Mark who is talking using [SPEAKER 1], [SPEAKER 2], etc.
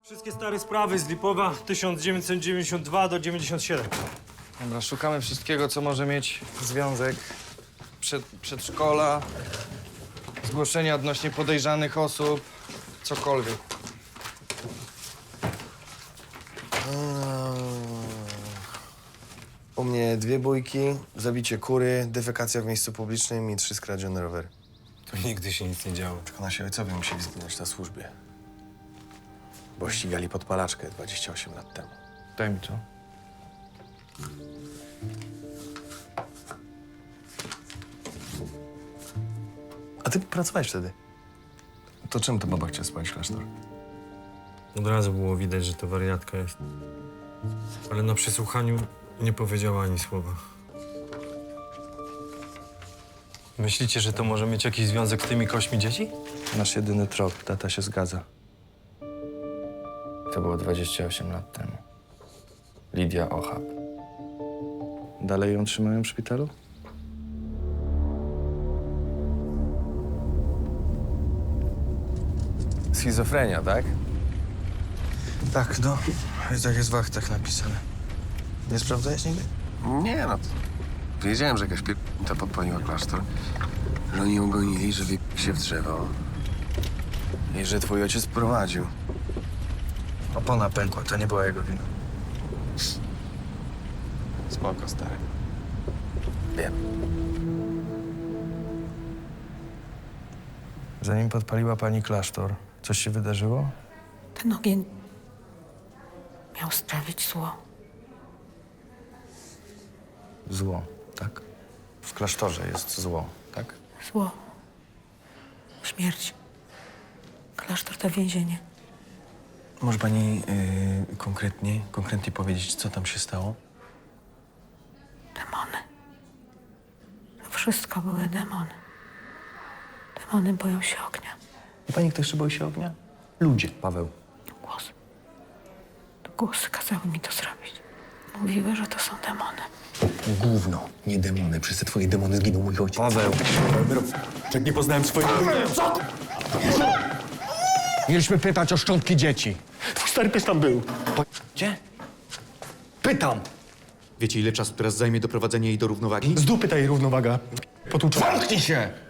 [SPEAKER 1] Wszystkie stare sprawy z Lipowa 1992 do 97.
[SPEAKER 2] Dobra, szukamy wszystkiego, co może mieć związek. Przedszkola, zgłoszenia odnośnie podejrzanych osób, cokolwiek.
[SPEAKER 3] U mnie 2 bójki, zabicie kury, defekacja w miejscu publicznym i 3 skradzione rowery.
[SPEAKER 1] Tu nigdy się nic nie działo.
[SPEAKER 3] Tylko nasi ojcowie musieli zginąć na służbie. Bo ścigali podpalaczkę 28 lat temu.
[SPEAKER 2] Daj mi to.
[SPEAKER 3] A ty pracowałeś wtedy. To czym to baba chciała spalić klasztor?
[SPEAKER 1] Od razu było widać, że to wariatka jest. Ale na przesłuchaniu nie powiedziała ani słowa. Myślicie, że to może mieć jakiś związek z tymi kośćmi dzieci?
[SPEAKER 2] Nasz jedyny trop, tata się zgadza. To było 28 lat temu. Lidia Ochab. Dalej ją trzymają w szpitalu?
[SPEAKER 3] Schizofrenia, tak?
[SPEAKER 2] Tak, no. Tak jest w aktach napisane.
[SPEAKER 3] Nie sprawdzałeś nigdy?
[SPEAKER 4] Nie, no. Wiedziałem, że jakaś to podpaliła klasztor. Że oni ją gonili, że się w drzewo. I że twój ojciec prowadził.
[SPEAKER 2] Opona pękła, to nie była jego wina.
[SPEAKER 4] Spoko, stary. Wiem.
[SPEAKER 2] Zanim podpaliła pani klasztor, coś się wydarzyło?
[SPEAKER 5] Ten ogień miał sprawić zło.
[SPEAKER 2] Zło, tak? W klasztorze jest zło, tak?
[SPEAKER 5] Zło. Śmierć. Klasztor to więzienie.
[SPEAKER 3] Może pani konkretnie powiedzieć, co tam się stało?
[SPEAKER 5] Demony. To wszystko były demony. Demony boją się ognia.
[SPEAKER 3] I pani kto jeszcze boi się ognia? Ludzie, Paweł.
[SPEAKER 5] Głosy. To głosy kazały mi to zrobić. Mówiły, że to są demony.
[SPEAKER 6] Gówno, nie demony. Przez te twoje demony zginął mój ojciec.
[SPEAKER 3] Paweł.
[SPEAKER 6] Jak nie poznałem swojego... Mieliśmy pytać o szczątki dzieci. Twój stary pies tam był.
[SPEAKER 3] Gdzie?
[SPEAKER 6] Pytam!
[SPEAKER 7] Wiecie, ile czasu teraz zajmie doprowadzenie jej do równowagi?
[SPEAKER 6] Z dupy ta jej równowaga. Potłuczona.
[SPEAKER 7] Zamknij się!